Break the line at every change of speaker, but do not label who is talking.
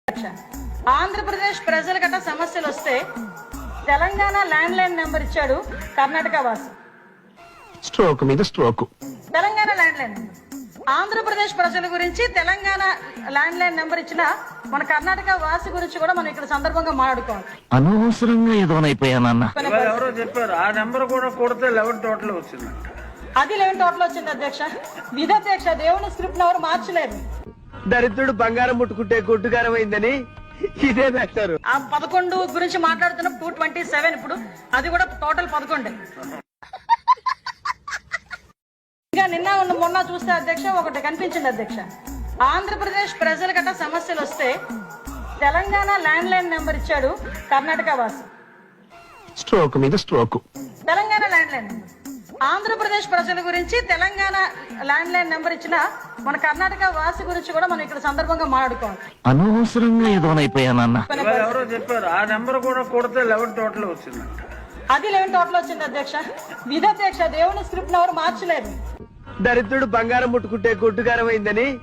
ఆంధ్రప్రదేశ్ ప్రజల గట్ట సమస్యలు వస్తే తెలంగాణ ల్యాండ్ లైన్ నెంబర్ ఇచ్చాడు కర్ణాటక వాసి.
స్ట్రోక్ మీద stroke.
Telangana land line number. Andhra Pradesh ప్రజల గురించి తెలంగాణ ల్యాండ్ లైన్ నెంబర్ ఇచ్చిన మన కర్ణాటక వాసి గురించి కూడా మనం ఇక్కడ సందర్భంగా మాట్లాడుకోవాలి.
అనవసరంగా ఏదోనైపోయానన్న.
ఎవరో చెప్పారు ఆ నెంబర్ కూడా కొడితే 11 టోటల్ వచ్చింది.
అది 11 టోటల్ వచ్చింది అధ్యక్ష. విధధ్యక్ష దేవుని స్క్రిప్ట్ ఎవరు మార్చలేదు.
దరిద్రుడు బంగారం ముట్టుకుంటే గొడ్డుగారం అయిందని ఇదే పెట్టారు.
ఆ 11 గురించి మాట్లాడుతున్న 227 ఇప్పుడు అది కూడా టోటల్ 11. ఇంకా నిన్న మొన్న చూస్తే అధ్యక్ష ఒకటి కనిపించింది అధ్యక్ష. ఆంధ్రప్రదేశ్ ప్రజల గట్ట సమస్యలు వస్తే తెలంగాణ ల్యాండ్ లైన్ నెంబర్ ఇచ్చాడు కర్ణాటక వాసి.
స్ట్రోక్ మీద stroke.
Telangana land line number. Andhra Pradesh ప్రజల గురించి తెలంగాణ ల్యాండ్ లైన్ నెంబర్ ఇచ్చిన మన కర్ణాటక వాసి గురించి కూడా మనం ఇక్కడ సందర్భంగా మాట్లాడుకోవాలి.
అనవసరంగా ఏదోనైపోయానన్న.
ఎవరో చెప్పారు ఆ నెంబర్ కూడా కొడితే 11 టోటల్ వచ్చింది.
అది 11 టోటల్ వచ్చింది అధ్యక్ష. విధధ్యక్ష దేవుని స్క్రిప్ట్ ఎవరు మార్చలేదు.
దరిద్రుడు బంగారం ముట్టుకుంటే గొడ్డుగారం అయిందని